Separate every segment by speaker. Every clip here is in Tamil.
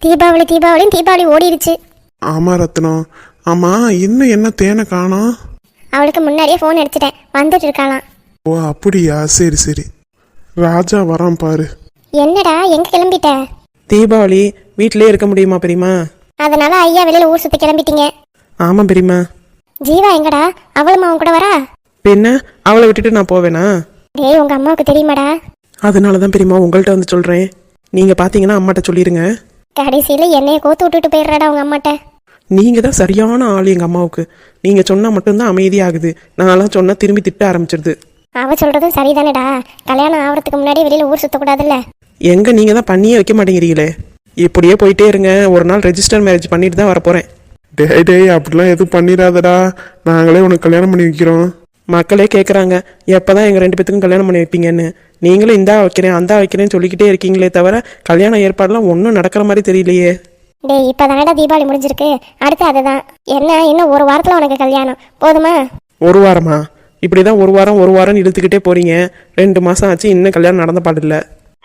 Speaker 1: தீபாவளி தீபாவளின்னு தீபாவளி ஓடிடுச்சு.
Speaker 2: ஆமா ரத்னம். ஆமா, இன்னும் என்ன தேனை காணோம்?
Speaker 1: அவளுக்கு முன்னாடியே ஃபோன் அடிச்சிட்டேன், வந்துட்டு இருக்காளாம்.
Speaker 2: ஓ அப்படியா, சரி சரி. ராஜா வரான் பாரு.
Speaker 1: என்னடா எங்க கிளம்பிட்ட?
Speaker 3: தீபாவளி வீட்டிலே இருக்க முடியுமா பெரியமா?
Speaker 1: அதனால ஐயா வெளியில ஊர் சுத்தி கிளம்பிட்டீங்க.
Speaker 3: ஆமாம் பெரியமா.
Speaker 1: ஜீவா எங்கடா? அவளும் அவன் கூட வரா?
Speaker 3: பின்ன அவளை விட்டுட்டு நான் போவேனா?
Speaker 1: டேய், உங்க அம்மாவுக்கு தெரியுமாடா?
Speaker 3: அதனால தான் பெரியமா உங்கள்கிட்ட வந்து சொல்கிறேன். நீங்கள் பார்த்தீங்கன்னா அம்மாட்ட சொல்லிடுங்க.
Speaker 1: கடைசியில என்னைய கோத்து விட்டுட்டு போயிடுறாடா உங்க அம்மாட்ட.
Speaker 3: நீங்கள் தான் சரியான ஆள் எங்கள் அம்மாவுக்கு. நீங்கள் சொன்னால் மட்டும்தான் அமைதியாகுது. நான்லாம் சொன்னால் திரும்பி திட்ட ஆரம்பிச்சிருது.
Speaker 1: அவ சொல்றதும் சரிதானேடா. கல்யாணம் ஆகிறதுக்கு முன்னாடி வெளியில ஊர் சுத்தக்கூடாதுல்ல.
Speaker 3: எங்கே நீங்கள் தான் பண்ணியே வைக்க மாட்டேங்கிறீங்களே. இப்படியே போயிட்டே இருங்க. ஒரு நாள் ரெஜிஸ்டர் மேரேஜ் பண்ணிட்டு தான் வரப்போகிறேன்.
Speaker 2: டேய் டேய், அப்படிலாம் எதுவும் பண்ணிடாதடா. நாங்களே உனக்கு கல்யாணம் பண்ணி வைக்கிறோம்.
Speaker 3: மக்களே கேட்குறாங்க எப்போ தான் எங்கள் 2 பேத்துக்கும் கல்யாணம் பண்ணி வைப்பீங்கன்னு. நீங்களும் இந்தா வைக்கிறேன் அந்த வைக்கிறேன்னு சொல்லிக்கிட்டே இருக்கீங்களே தவிர கல்யாண ஏற்பாடுலாம் ஒன்றும் நடக்கிற மாதிரி தெரியலையே.
Speaker 1: டேய், இப்பதானடா தீபாவளி முடிஞ்சிருக்கு. அடுத்து அதுதான். என்ன, இன்னும் ஒரு வாரத்துல உனக்கு கல்யாணம், போதுமா?
Speaker 3: ஒரு வாரமா? இப்படி தான் ஒரு வாரம் இழுத்துக்கிட்டே போறீங்க. 2 மாதம் ஆச்சு, இன்னும் கல்யாணம் நடந்த பாடில்லை.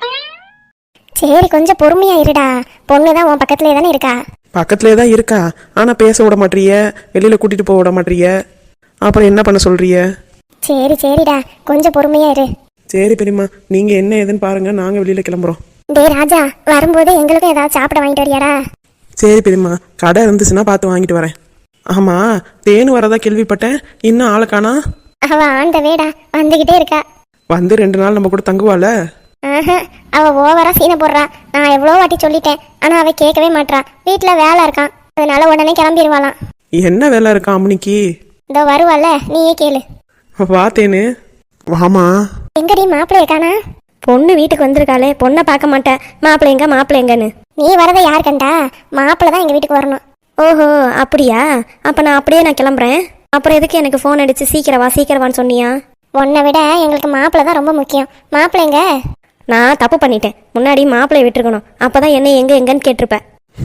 Speaker 1: சரி, கொஞ்சம் பொறுமையா இருடா. பொண்ணுதான் உன் பக்கத்துலேயே தானே இருக்கா.
Speaker 3: பக்கத்துலேயே தான் இருக்கா, ஆனால் பேச விட மாட்டீங்க, வெளியில் கூட்டிகிட்டு போக விட மாட்டீங்க. அப்புறம் என்ன பண்ண சொல்றிய?
Speaker 1: சரி சரிடா, கொஞ்சம் பொறுமையா இரு.
Speaker 3: சரி பெரியம்மா, நீங்கள் என்ன ஏதுன்னு பாருங்க, நாங்கள் வெளியில் கிளம்புறோம்.
Speaker 1: டேய் ராஜா, வரும்போது எங்களுக்கும் ஏதாவது சாப்பிட வாங்கிட்டு வரியாடா?
Speaker 3: சரி பெரியம்மா, கடை இருந்துச்சுன்னா பார்த்து வாங்கிட்டு வரேன். ஆமாம், தேன் வரதா கேள்விப்பட்டேன், இன்னும் ஆளை காணா?
Speaker 1: அவ ஆண்ட வேடா, வந்துகிட்டே இருக்கா.
Speaker 3: வந்து 2 நாள் நம்ம கூட தங்குவாள?
Speaker 1: அவ ஓவரா சீனை போடுறா. நான் எவ்வளோ வாட்டி சொல்லிட்டேன், ஆனா அவ கேட்கவே மாட்றா. வீட்டுல வேலை இருக்கான், அதனால உடனே கிளம்பிடுவாளாம்.
Speaker 3: என்ன வேலை இருக்கான் அம்மனிக்கு?
Speaker 1: இதோ வருவாள்ல, நீயே கேளு.
Speaker 3: வா தேனு.
Speaker 2: வாமா.
Speaker 1: எங்கடி மாப்பிள்ளை இருக்கானா?
Speaker 4: பொண்ணு வீட்டுக்கு வந்திருக்காளே, பொண்ணை பார்க்க மாட்டேன். மாப்பிள்ளை எங்கன்னு
Speaker 1: நீ வரதை யார் கண்டா? மாப்பிள்ளை தான் எங்க வீட்டுக்கு வரணும்.
Speaker 4: ஓஹோ அப்படியா? அப்போ நான் கிளம்புறேன். அப்புறம் எதுக்கு எனக்கு ஃபோன் அடிச்சு சீக்கிரவான்னு சொன்னியா?
Speaker 1: உன்னை விட எங்களுக்கு மாப்பிள்ளை தான் ரொம்ப முக்கியம். மாப்பிள்ளை எங்க?
Speaker 4: நான் தப்பு பண்ணிட்டேன். முன்னாடி மாப்பிள்ளையை விட்டுருக்கணும். அப்போதான் என்ன எங்கன்னு கேட்டிருப்பேன்.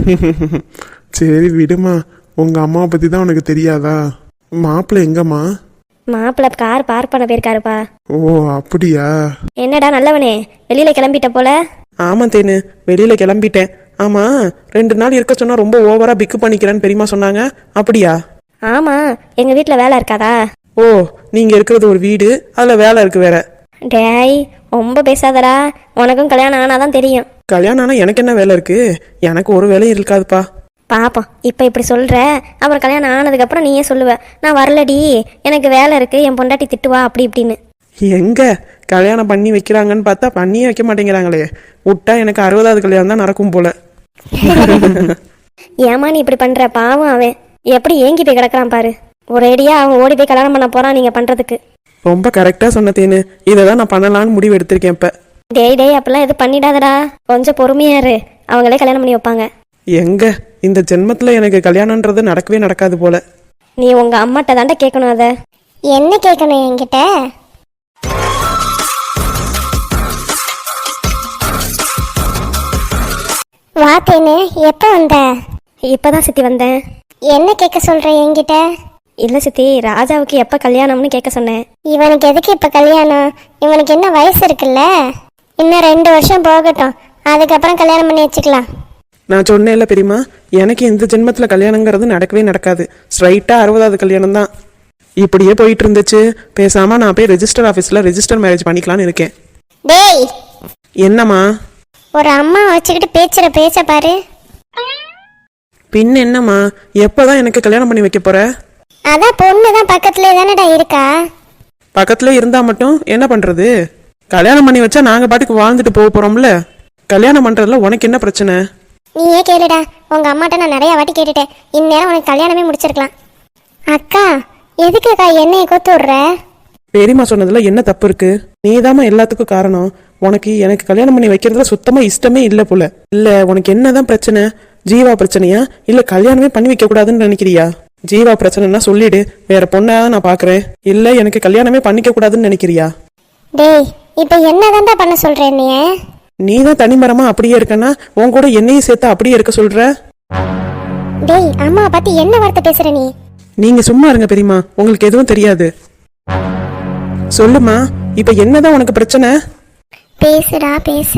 Speaker 2: சரி விடுமா, உங்க அம்மாவை பத்தி தான் உனக்கு தெரியாதா? மாப்பிள்ளை எங்கம்மா?
Speaker 4: மாப்பிள்ளை கார் பார்க் பண்ண போயிருக்காருப்பா.
Speaker 2: ஓ அப்படியா?
Speaker 4: என்னடா நல்லவனே, வெளியில கிளம்பிட்ட போல.
Speaker 3: ஆமாம் தேனு, வெளியில் கிளம்பிட்டேன். ஆமாம், 2 நாள் இருக்க சொன்னா ரொம்ப ஓவரா பிக்கு பண்ணிக்கிறேன்னு பெரியமா சொன்னாங்க, அப்படியா?
Speaker 4: ஆமா, எங்க வீட்டுல வேலை இருக்காதா?
Speaker 3: ஓ, நீங்கள் இருக்கிறது ஒரு வீடு, அதில் வேலை இருக்கு வேற.
Speaker 4: டேய், ரொம்ப பேசாதடா. உனக்கும் கல்யாணம் ஆனாதான் தெரியும்.
Speaker 3: கல்யாணம் ஆனால் எனக்கு என்ன வேலை இருக்கு? எனக்கு ஒரு வேலையும் இருக்காதுப்பா.
Speaker 4: பாப்போம், இப்போ இப்படி சொல்ற, அப்புறம் கல்யாணம் ஆனதுக்கப்புறம் நீயே சொல்லுவ, நான் வரலடி, எனக்கு வேலை இருக்கு, என் பொண்டாட்டி திட்டுவா அப்படி இப்படின்னு.
Speaker 3: எங்க கல்யாணம் பண்ணி வைக்கிறாங்கன்னு பார்த்தா பண்ணியே வைக்க மாட்டேங்கிறாங்களே. விட்டா எனக்கு 60வது கல்யாணம் தான் நடக்கும் போல.
Speaker 4: ஏமா நீ இப்படி பண்ற? பாவம் அவன் எப்படி ஏங்கி போய் கிடக்குறான் பாரு. ஒரேடியா அவன் ஓடி போய் கல்யாணம் பண்ண போறான் நீங்க பண்றதுக்கு.
Speaker 3: ரொம்ப கரெக்டா சொன்ன தேனு, இதை தான் நான் பண்ணலான்னு முடிவு எடுத்திருக்கேன் இப்ப.
Speaker 4: டேய் அப்படிலாம் எதுவும் பண்ணிடாதடா, கொஞ்சம் பொறுமையா இரு, அவங்களே கல்யாணம் பண்ணி வைப்பாங்க.
Speaker 3: எங்க இந்த ஜென்மத்துல எனக்கு கல்யாணம்ன்றது நடக்கவே நடக்காது போல.
Speaker 4: நீ உங்க அம்மாட்ட தாண்டா கேட்கணும். அத
Speaker 1: என்ன கேட்கணும் என்கிட்ட? வாத்தேன்னு எப்ப வந்த?
Speaker 4: இப்பதான் சித்தி வந்தேன்.
Speaker 1: என்ன கேட்க சொல்ற என்கிட்ட?
Speaker 4: இல்ல சித்தி, ராஜாவுக்கு எப்ப கல்யாணம்னு கேட்க சொன்னேன்.
Speaker 1: இவனுக்கு எதுக்கு இப்ப கல்யாணம்? இவனுக்கு என்ன வயசு இருக்குல்ல, இன்னும் 2 வருஷம் போகட்டும், அதுக்கப்புறம் கல்யாணம் பண்ணி வச்சுக்கலாம்.
Speaker 3: நான் சொன்னேன்ல பெரியமா, எனக்கு இந்த ஜென்மத்துல கல்யாணங்கிறது நடக்கவே நடக்காது. ஸ்ட்ரைட்டா 60வது கல்யாணம் தான். இப்படியே போயிட்டு இருந்துச்சு. பேசாம நான் போய் ரெஜிஸ்டர் ஆஃபீஸில் ரெஜிஸ்டர் மேரேஜ் பண்ணிக்கலான்னு இருக்கேன்.
Speaker 1: டேய்,
Speaker 3: என்னம்மா?
Speaker 1: ஒரு அம்மா வச்சுக்கிட்டு பேச்சுற பேச்ச பாரு.
Speaker 3: பின் என்னம்மா, எப்போதான் எனக்கு கல்யாணம் பண்ணி வைக்க போற?
Speaker 1: அதான் பொண்ணுதான் பக்கத்துலேயே தானடா இருக்கா.
Speaker 3: பக்கத்துல இருந்தா மட்டும் என்ன பண்றது? கல்யாணம் பண்ணி வச்சா நாங்க பாட்டுக்கு வாழ்ந்துட்டு போக போறோம்ல. கல்யாணம் பண்றதுல உனக்கு என்ன பிரச்சனை?
Speaker 1: நீயே கேளுடா, உங்க அம்மாட்ட நான் நிறைய வாட்டி கேட்டுட்டேன். இந்நேரம் உனக்கு கல்யாணமே முடிச்சிருக்கலாம். அக்கா, எதுக்குக்கா என்னைய கொத்து விடுற?
Speaker 3: பெரியம்மா சொன்னதுல என்ன தப்பு இருக்கு? நீதாம்மா எல்லாத்துக்கும் காரணம். உனக்கு எனக்கு கல்யாணம் பண்ணி வைக்கிறதுல சுத்தமா இஷ்டமே இல்லை போல. இல்ல உனக்கு என்னதான் பிரச்சனை? ஜீவா பிரச்சனையா இல்ல கல்யாணமே பண்ணி வைக்க கூடாதுன்னு நினைக்கிறியா? ஜீவா பிரச்சனைனா சொல்லிடு, வேற பொண்ணா நான் பாக்குறேன். இல்ல எனக்கு கல்யாணமே பண்ணிக்க கூடாதுன்னு நினைக்கிறியா?
Speaker 1: டேய், இப்ப என்னதான்டா பண்ண சொல்ற?
Speaker 3: நீ தான் தனிமரமா அப்படியே இருக்கனா, உன் கூட என்னையும் சேர்த்து அப்படியே இருக்க சொல்ற.
Speaker 1: டேய், அம்மா பத்தி என்ன வார்த்தை பேசுற நீ?
Speaker 3: நீங்க சும்மா இருங்க பெரியம்மா, உங்களுக்கு எதுவும் தெரியாது. சொல்லுமா, இப்ப என்னதான் உனக்கு பிரச்சனை?
Speaker 1: பேசுடா பேசு.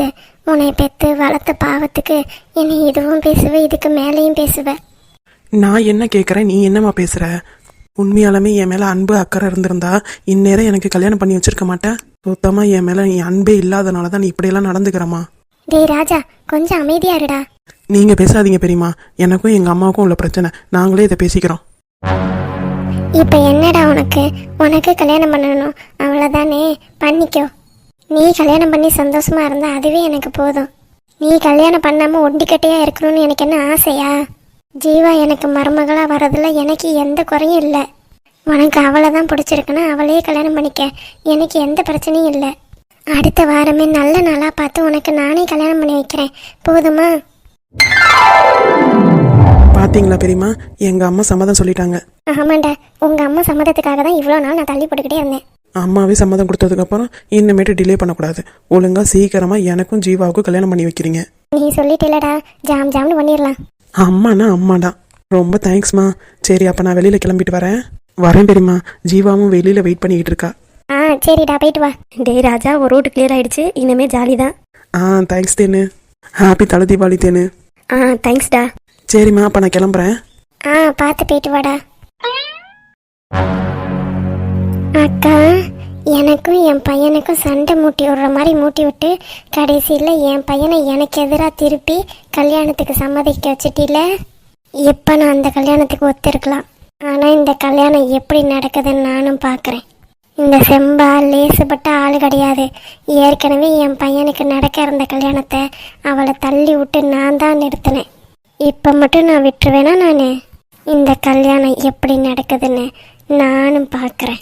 Speaker 1: உன்னை பெற்று வளர்த்த பாவத்துக்கு என்னை இதுவும் பேசுவ, இதுக்கு மேலேயும் பேசுவ.
Speaker 3: நான் என்ன கேட்குறேன், நீ என்னம்மா பேசுற? உண்மையாலுமே என் மேல அன்பு அக்கறை இருந்திருந்தா இந்நேரம் எனக்கு கல்யாணம் பண்ணி வச்சிருக்க மாட்டேன். சுத்தமா என் மேல நீ அன்பே இல்லாதனால தான் நீ இப்படியெல்லாம் நடந்துக்கிறமா.
Speaker 1: டேய் ராஜா, கொஞ்சம் அமைதியா இருடா.
Speaker 3: நீங்க பேசாதீங்க பெரியம்மா, எனக்கும் எங்க அம்மாவுக்கும் உள்ள பிரச்சனை, நாங்களே இதை பேசிக்கிறோம்.
Speaker 1: இப்போ என்னடா உனக்கு கல்யாணம் பண்ணணும் அவ்வளோதானே, பண்ணிக்கோ. நீ கல்யாணம் பண்ணி சந்தோஷமா இருந்தா அதுவே எனக்கு போதும். நீ கல்யாணம் பண்ணாம ஒண்டிக்கட்டையா இருக்கணும்னு எனக்கு என்ன ஆசையா? ஜீவா எனக்கு மருமகளா வரதுல எனக்கு எந்த குறையும் இல்லை. உனக்கு அவளை தான் பிடிச்சிருக்குன்னா அவளையே கல்யாணம் பண்ணிக்க, எனக்கு எந்த பிரச்சனையும் இல்லை. அடுத்த வாரமே நல்ல நாளாக பார்த்து உனக்கு நானே கல்யாணம் பண்ணி வைக்கிறேன், போதுமா?
Speaker 3: பாத்தீங்களா பெரியம்மா, எங்க அம்மா சம்மதம் சொல்லிட்டாங்க.
Speaker 1: ஆமாண்டா, உங்கள் அம்மா சம்மதத்துக்காக தான் இவ்வளோ நாள் நான் தள்ளி போட்டுக்கிட்டே இருந்தேன்.
Speaker 3: அம்மாவே சம்மதம் கொடுத்ததுக்கப்புறம் இன்னமேட்டு டிலே பண்ணக்கூடாது. ஒழுங்கா சீக்கிரமா எனக்கும் ஜீவாவுக்கும் கல்யாணம் பண்ணி வைக்கிறீங்க.
Speaker 1: நீ சொல்லிட்டேலடா, ஜாம்னு பண்ணிடலாம்.
Speaker 3: அம்மாண்ணா அம்மாடா, ரொம்ப தேங்க்ஸ்மா. சரி, அப்போ நான் வெளியில் கிளம்பிட்டு வரேன் பெரியம்மா. ஜீவாவும் வெளியில் வெயிட் பண்ணிக்கிட்டு இருக்கா.
Speaker 1: ஆ சரிடா, போயிட்டு வா.
Speaker 4: டே ராஜா, ஒரு ரூட் கிளியர் ஆயிடுச்சு, இனிமே ஜாலி தான்.
Speaker 3: தேங்க்ஸ் தேனு. ஹாப்பி தலை தீபாவளி தேனு.
Speaker 4: தேங்க்ஸ்டா.
Speaker 3: சரிம்மா, அப்போ நான் கிளம்புறேன்.
Speaker 1: பார்த்து போயிட்டு வாடா. அக்கா, எனக்கும் என் பையனுக்கும் சண்டை மூட்டி விடுற மாதிரி மூட்டி விட்டு கடைசியில் என் பையனை எனக்கு எதிராக திருப்பி கல்யாணத்துக்கு சம்மதிக்க வச்சுட்டில. இப்போ நான் அந்த கல்யாணத்துக்கு ஒத்துருக்கலாம். ஆனால் இந்த கல்யாணம் எப்படி நடக்குதுன்னு நானும் பார்க்குறேன். இந்த செம்பா லேசுப்பட்ட ஆள் கிடையாது. ஏற்கனவே என் பையனுக்கு நடக்க இருந்த கல்யாணத்தை அவளை தள்ளி விட்டு நான் தான் நிறுத்தினேன். இப்போ மட்டும் நான் விட்டுருவேனா? நான் இந்த கல்யாணம் எப்படி நடக்குதுன்னு நானும் பார்க்குறேன்.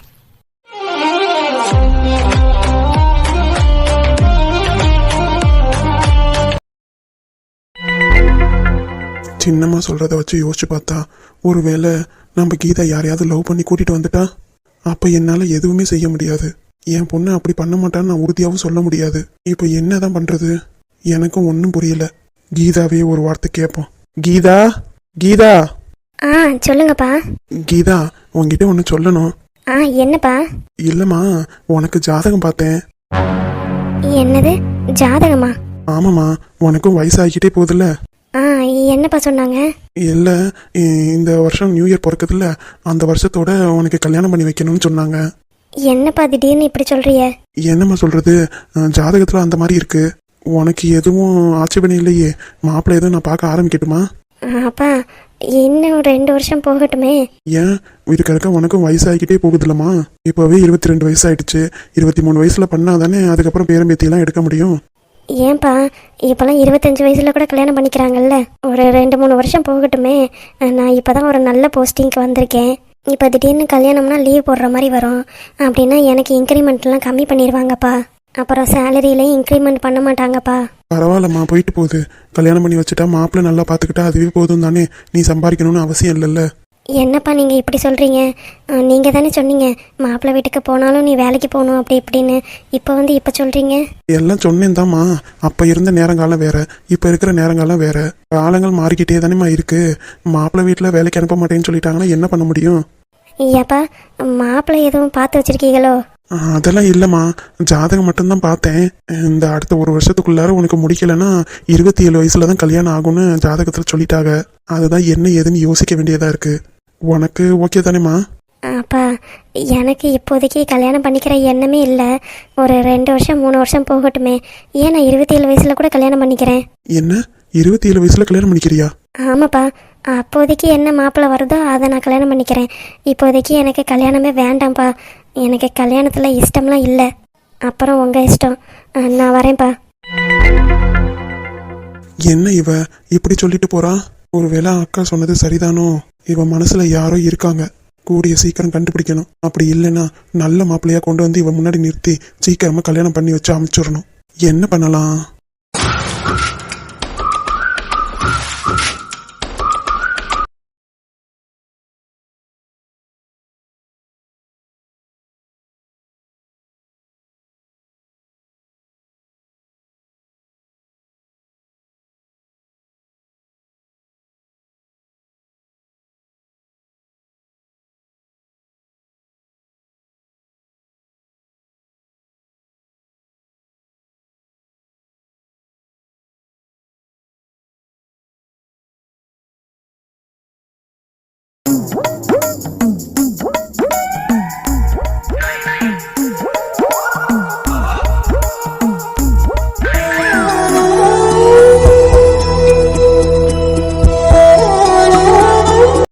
Speaker 2: சின்னம்மா சொல்கிறத வச்சு யோசிச்சு பார்த்தா, ஒருவேளை நம்ம கீதா யாரையாவது லவ் பண்ணி கூட்டிகிட்டு வந்துட்டா அப்போ என்னால் எதுவுமே செய்ய முடியாது. என் பொண்ணை அப்படி பண்ண மாட்டான்னு நான் உறுதியாகவும் சொல்ல முடியாது. இப்போ என்ன தான் பண்ணுறது? எனக்கும் ஒன்றும் புரியல. கீதாவே ஒரு வார்த்தை கேட்போம். கீதா, கீதா.
Speaker 4: சொல்லுங்கப்பா.
Speaker 2: கீதா, உங்ககிட்ட ஒன்று சொல்லணும்.
Speaker 4: என்னப்பா?
Speaker 2: இல்லைம்மா, உனக்கு ஜாதகம் பார்த்தேன்.
Speaker 4: என்னது ஜாதகமா?
Speaker 2: ஆமாம்மா, உனக்கும் வயசாகிக்கிட்டே போகுதுல்ல.
Speaker 4: என்னப்பா சொன்னாங்க?
Speaker 2: இல்லை, இந்த வருஷம் நியூ இயர் பிறக்குதுல்ல, அந்த வருஷத்தோட உனக்கு கல்யாணம் பண்ணி வைக்கணும்னு சொன்னாங்க.
Speaker 4: என்னப்பா திடீர்னு இப்படி சொல்றிய?
Speaker 2: என்னம்மா சொல்றது, ஜாதகத்தில் அந்த மாதிரி இருக்கு. உனக்கு எதுவும் ஆட்சேபனை இல்லையே? மாப்பிள்ளை எதுவும் நான் பார்க்க ஆரம்பிக்கட்டுமா?
Speaker 4: அப்பா, இன்னும் 2 வருஷம் போகட்டுமே.
Speaker 2: ஏன், இருக்க உனக்கும் வயசாகிக்கிட்டே போகுதுல்லம்மா. இப்போவே 22 வயசாயிடுச்சு. 23 வயசுல பண்ணாதானே அதுக்கப்புறம் பேரம்பேத்தியெல்லாம் எடுக்க முடியும்.
Speaker 4: ஏன்பா, இப்போலாம் 25 வயசுல கூட கல்யாணம் பண்ணிக்கிறாங்கல்ல. ஒரு 2-3 வருஷம் போகட்டுமே. நான் இப்போதான் ஒரு நல்ல போஸ்டிங்க்கு வந்திருக்கேன். இப்போ திடீர்னு கல்யாணம்னா லீவ் போடுற மாதிரி வரும். அப்படின்னா எனக்கு இன்க்ரிமெண்ட்லாம் கம்மி பண்ணிடுவாங்கப்பா. அப்புறம் சேலரியிலையும் இன்க்ரிமெண்ட் பண்ண மாட்டாங்கப்பா.
Speaker 2: பரவாயில்லம்மா, போயிட்டு போகுது. கல்யாணம் பண்ணி வச்சுட்டா மாப்பிள்ளை நல்லா பார்த்துக்கிட்டா அதுவே போதும் தானே. நீ சம்பாதிக்கணும்னு அவசியம் இல்லைல்ல.
Speaker 4: என்னப்பா நீங்கள் இப்படி சொல்கிறீங்க? நீங்கள் தானே சொன்னீங்க மாப்பிள்ளை வீட்டுக்கு போனாலும் நீ வேலைக்கு போகணும் அப்படி இப்படின்னு. இப்போ சொல்கிறீங்க.
Speaker 2: எல்லாம் சொன்னேன் தாம்மா. அப்போ இருந்த நேரங்காலம் வேற, இப்போ இருக்கிற நேரங்காலம் வேற. காலங்கள் மாறிக்கிட்டே தானேம்மா இருக்கு. மாப்பிள்ளை வீட்டில் வேலைக்கு அனுப்ப மாட்டேன்னு சொல்லிட்டாங்கன்னா என்ன பண்ண முடியும்?
Speaker 4: ஐயாப்பா, மாப்பிள்ளை எதுவும் பார்த்து வச்சிருக்கீங்களோ?
Speaker 2: அதெல்லாம் இல்லைம்மா, ஜாதகம் மட்டும்தான் பார்த்தேன். இந்த அடுத்த 1 வருஷத்துக்குள்ளார உனக்கு முடிக்கலைன்னா 27 வயசுல தான் கல்யாணம் ஆகும்னு ஜாதகத்தில் சொல்லிட்டாங்க. அதுதான் என்ன ஏதுன்னு யோசிக்க வேண்டியதா இருக்கு. உனக்கு ஓகே தானேம்மா?
Speaker 4: அப்பா, எனக்கு இப்போதைக்கு கல்யாணம் பண்ணிக்கிற எண்ணமே இல்லை. ஒரு 2 வருஷம் 3 வருஷம் போகட்டுமே. ஏன் நான் 27 வயசுல கூட கல்யாணம் பண்ணிக்கிறேன்.
Speaker 2: என்ன, 27 வயசுல கல்யாணம் பண்ணிக்கிறியா?
Speaker 4: ஆமாப்பா, அப்போதைக்கு என்ன மாப்பிள்ளை வருதோ அதை நான் கல்யாணம் பண்ணிக்கிறேன். இப்போதைக்கு எனக்கு கல்யாணமே வேண்டாம்ப்பா. எனக்கு கல்யாணத்தில் இஷ்டம்லாம் இல்லை. அப்புறம் உங்கள் இஷ்டம். நான் வரேன்ப்பா.
Speaker 2: என்ன இவ இப்படி சொல்லிட்டு போறா? ஒருவேளை அக்கா சொன்னது சரிதானோ? இவ மனசுல யாரோ இருக்காங்க, கூடிய சீக்கிரம் கண்டுபிடிக்கணும். அப்படி இல்லைன்னா நல்ல மாப்பிள்ளையா கொண்டு வந்து இவ முன்னாடி நிறுத்தி சீக்கிரமா கல்யாணம் பண்ணி வச்சு அனுப்பிச்சிடணும். என்ன பண்ணலாம்?